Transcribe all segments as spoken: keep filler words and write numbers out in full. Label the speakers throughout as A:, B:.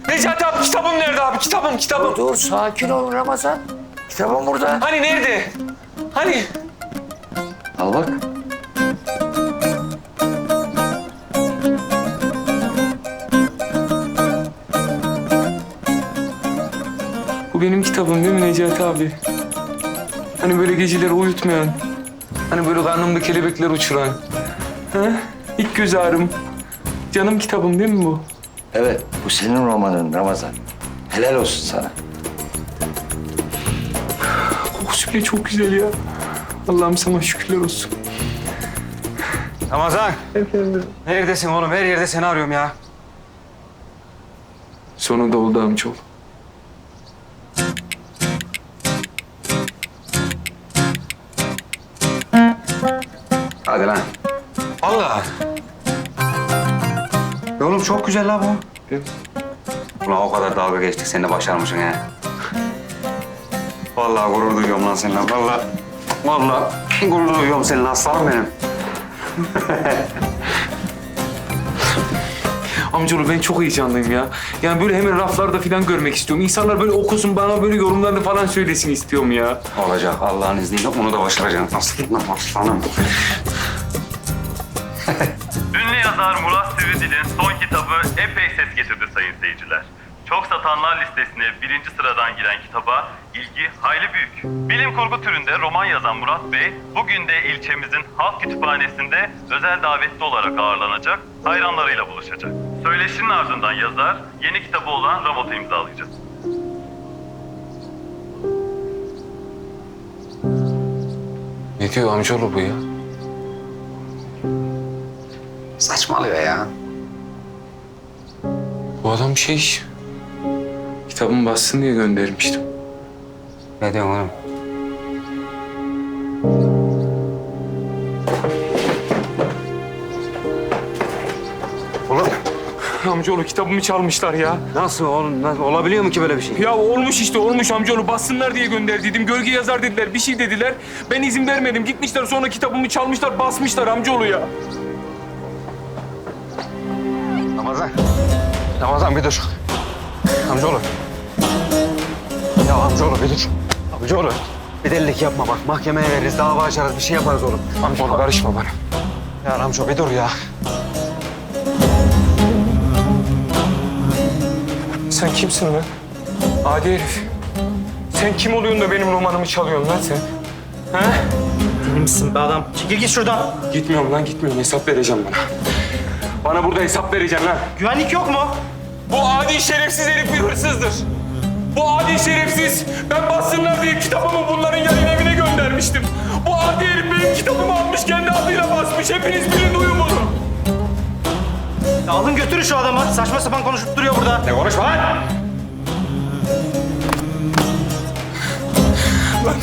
A: Necati abi kitabım nerede abi? Kitabım, kitabım.
B: Dur, dur sakin ol Ramazan. Kitabım burada.
A: Hani nerede? Hani?
B: Al bak.
A: Bu benim kitabım değil mi Necati abi? Hani böyle geceleri uyutmayan, hani böyle karnımda kelebekler uçuran. Ha? İlk göz ağrım. Canım kitabım değil mi bu?
B: Evet, bu senin romanın Ramazan. Helal olsun sana.
A: Kokusu bile çok güzel ya. Allah'ım sana şükürler olsun.
C: Ramazan,
A: Efendim?
C: neredesin oğlum? Her yerde seni arıyorum ya.
A: Sonunda oldu amcaoğlu.
C: Hadi lan. Vallahi. E oğlum çok güzel la bu.
A: Evet.
C: Ulan o kadar dalga geçtik, sen de başarmışsın ha. Vallahi gurur duyuyorum lan seninle. Vallahi, vallahi gurur duyuyorum seninle aslanım benim.
A: Amcaoğlu ben çok heyecanlıyım ya. Yani böyle hemen raflarda falan görmek istiyorum. İnsanlar böyle okusun, bana böyle yorumlarını falan söylesin istiyorum ya.
C: Olacak Allah'ın izniyle, onu da başaracaksın. Aslanım, aslanım.
D: Ünlü yazar Murat Sivridil'in son kitabı epey ses getirdi sayın seyirciler. Çok satanlar listesine birinci sıradan giren kitaba ilgi hayli büyük. Bilim kurgu türünde roman yazan Murat Bey, bugün de ilçemizin halk kütüphanesinde özel davetli olarak ağırlanacak, hayranlarıyla buluşacak. Söyleşinin ardından yazar, yeni kitabı olan Rabot'u imzalayacak.
A: Ne diyor amcaoğlu bu ya?
C: Saçmalıyor ya.
A: Bu adam şey... Kitabımı bassın diye göndermiştim.
C: Ne diyorsun oğlum? Oğlum
A: Amcaoğlu kitabımı çalmışlar ya.
C: nasıl oğlum? Nasıl? Olabiliyor mu ki böyle bir şey?
A: Ya olmuş işte olmuş amcaoğlu. Bassınlar diye gönderdiydim. Gölge yazar dediler. Bir şey dediler. Ben izin vermedim. Gitmişler sonra kitabımı çalmışlar, basmışlar amcaoğlu ya.
C: Ramazan. Ramazan bir dur. Amcaoğlu. Ya amcaoğlu bir dur. Amcaoğlu. Bir delilik yapma bak. Mahkemeye veririz, dava açarız, bir şey yaparız oğlum.
A: Amcaoğlu karışma bana.
C: Ya Ramço bir dur ya.
A: Sen kimsin lan? Adi herif. Sen kim oluyorsun da benim romanımı çalıyorsun lan sen? Ha?
E: Deli misin be adam? Çekil git şuradan.
A: Gitmiyorum lan gitmiyorum. Hesap vereceğim bana. Bana burada hesap vereceksin lan.
E: Güvenlik yok mu?
A: Bu adi şerefsiz herif bir hırsızdır. Bu adi şerefsiz, ben bassınlar diye kitabımı bunların yayın evine göndermiştim. Bu adi herif benim kitabımı almış, kendi adıyla basmış. Hepiniz bilin duyun bunu.
E: Ya alın götürün şu adamı. Saçma sapan konuşup duruyor burada.
C: Ne konuşma lan?
A: Lan.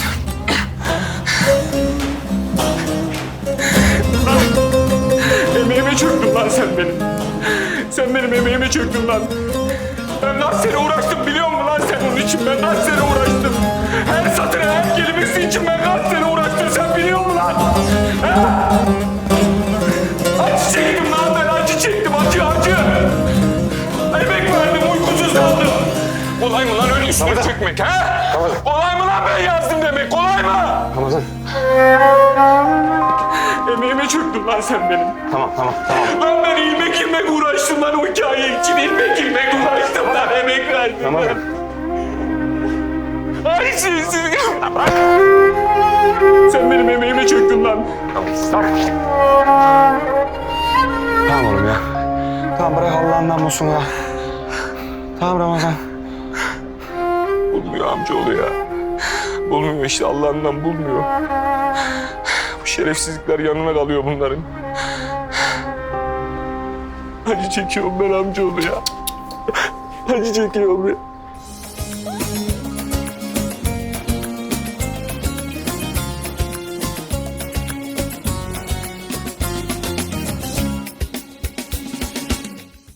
A: Emeğime çöktün lan sen benim. Sen benim emeğime çöktün lan. Ben kaç sene uğraştım biliyor musun lan sen onun için? Ben kaç sene uğraştım. Her satırı, her kelimesi için ben kaç sene uğraştım sen biliyor musun lan? Ha? Acı çektim lan ben, acı çektim, acı acı. Emek verdim, uykusuz kaldım. Kolay mı lan öyle üstüne çökmek ha? Kolay mı lan ben yazdım demek, kolay mı?
C: Ramazan.
A: Emeğime çöktün lan sen benim.
C: Tamam tamam tamam.
A: Lan ben ilmek ilmek uğraştım lan o hikaye için. İlmek ilmek uğraştım lan, emek verdim
C: Tamam.
A: lan. Ay siz, siz... Sen benim emeğime çöktün lan.
C: Tamam oğlum ya. Tamam bırak Allah'ından bulsun ya. Tamam Ramazan.
A: Bulmuyor amcaoğlu ya. Bulmuyor işte, Allah'ından bulmuyor. Bu şerefsizlikler yanına kalıyor bunların. Acı çekiyorum ben amcaoğlu ya. Acı çekiyorum ya.